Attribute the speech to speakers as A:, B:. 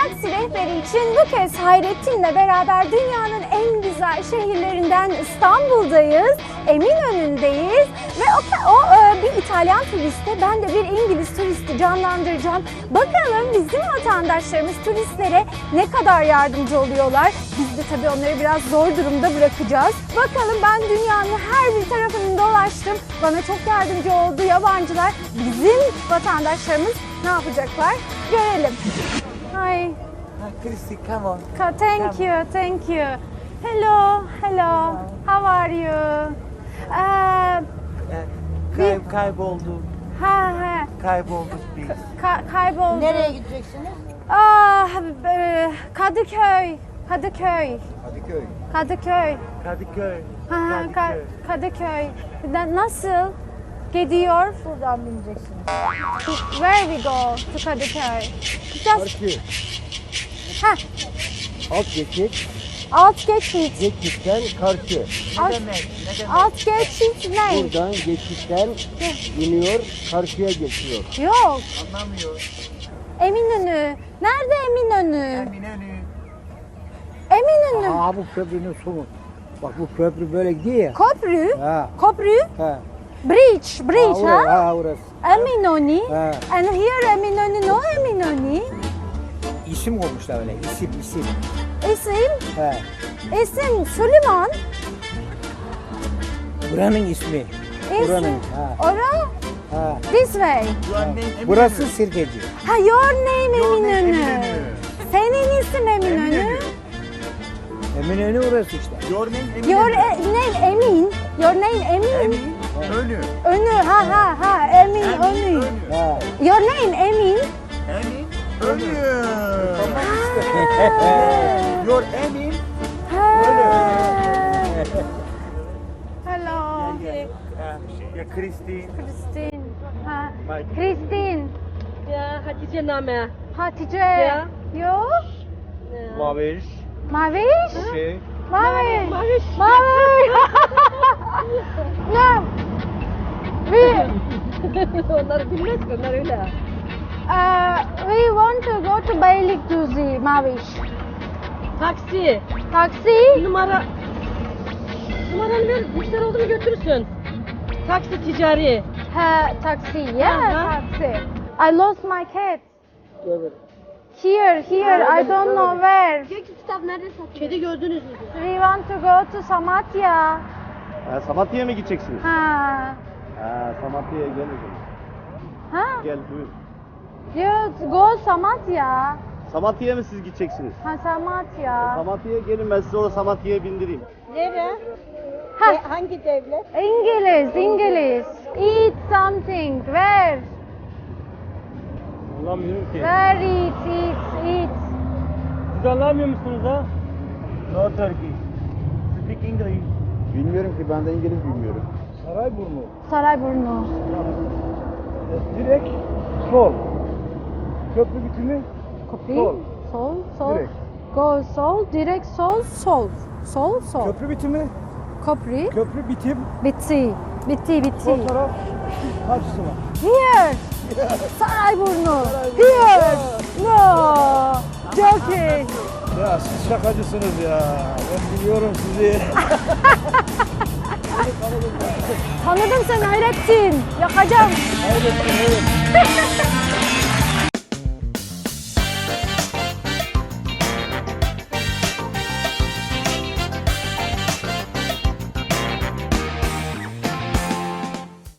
A: Taksi rehberi için bu kez Hayrettin'le beraber dünyanın en güzel şehirlerinden İstanbul'dayız. Eminönü'ndeyiz ve o bir İtalyan turiste, ben de bir İngiliz turisti canlandıracağım. Bakalım bizim vatandaşlarımız turistlere ne kadar yardımcı oluyorlar. Biz de tabii onları biraz zor durumda bırakacağız. Bakalım, ben dünyanın her bir tarafını dolaştım. Bana çok yardımcı oldu yabancılar. Bizim vatandaşlarımız ne yapacaklar? Görelim. Hi.
B: Christy, come on.
A: Thank you, thank you. Hello, hello. How are you?
B: Kaybolduk.
A: Ha.
B: Kaybolduk biz.
A: Kayboldu.
C: Nereye gideceksiniz?
A: Kadıköy.
B: Kadıköy.
A: Kadıköy.
B: Kadıköy.
A: Kadıköy. Nasıl gidiyor?
C: Buradan bineceksiniz.
A: Where we go to Kadıköy? Just
D: Karşı.
A: ha,
D: Alt geçit.
A: alt geçit.
D: Geçitten karşı.
A: Alt,
B: Ne demek?
A: alt geçit ne?
D: Buradan geçitten iniyor, karşıya geçiyor.
A: Yok.
B: Anlamıyor.
A: Eminönü. Nerede Eminönü?
B: Eminönü.
A: Eminönü.
D: Aa, bu köprünün sonu. Bak bu köprü böyle gidiyor ya.
A: Köprü.
D: Ha.
A: Köprü.
D: Ha.
A: Bridge.
D: Ha,
A: Ha?
D: orası.
A: Eminönü.
D: Ha.
A: And here Eminönü, no Eminönü.
D: İsim olmuşlar öyle. İsim.
A: İsim.
D: Ha.
A: İsim Süleyman.
D: Buranın ismi.
A: İsim.
D: Buranın. Ha.
A: Ora.
D: Ha.
A: This way.
B: Your name Eminönü.
D: Burası Sirkeci.
A: Ha, your name
B: Your name
A: Eminönü.
B: Eminönü.
A: Senin isim Eminönü.
B: Eminönü.
D: Eminönü orası işte.
B: Your name Eminönü.
A: Your name Emin. Your name Emin.
B: Eminönü.
A: Önü. Ha. Emin önü.
B: Eminönü.
D: Ha.
A: Your name Emin.
B: Eminönü.
A: Ha.
B: Your Emin.
A: Hello.
B: Ya Christine.
A: Christine. Ha.
B: Mike.
A: Christine.
E: Ya Hatice Name.
A: Hatice.
E: Ya.
A: Yo.
D: Maviş.
A: Maviş.
D: Şey.
A: Maviş.
E: Maviş.
A: Maviş. No. We,
E: Onları bilmez ki, onlar öyle.
A: we want to go to Beylikdüzü, Maviş.
E: Taksi.
A: Taksi.
E: Numaranı ver, müşteri oldu mu götürürsün. Taksi ticari.
A: Ha, taksi. Yeah,
E: Aha.
A: taksi. I lost my cat. Here, I don't know where.
E: Kitap nerede satıyor? Kedi gördünüz mü?
A: We want to go to Samatya.
D: Samatya'ya mı gideceksiniz?
A: Ha.
D: Samatya'ya gelin.
A: Ha?
D: Gel buyur.
A: You go Samatya.
D: Samatya'ya mı siz gideceksiniz?
A: Ha, Samatya.
D: Samatya'ya gelin, ben sizi orada Samatya'ya bindireyim.
C: Nere?
A: Ha,
C: Hangi devlet?
A: İngiliz. Eat something. Where?
D: Anlamıyorum ki.
A: Where eat.
D: Siz anlamıyor musunuz ha?
B: No Turkish. Speak English.
D: Bilmiyorum ki, ben de İngiliz bilmiyorum. Sarayburnu.
A: Sarayburnu.
D: Direkt sol. Köprü bitimi
A: Copy.
D: Sol.
A: Sol.
D: Direkt.
A: Go sol. Direkt sol. Sol.
D: köprü bitimi,
A: Köprü.
D: köprü bitim,
A: Bitti.
D: sol taraf karşısı var.
A: Here. Sarayburnu. Here. No. Joking.
D: Ya siz şakacısınız ya. Ben biliyorum sizi.
A: Tanıdım seni Hayrettin. Yakacağım.
D: Evet.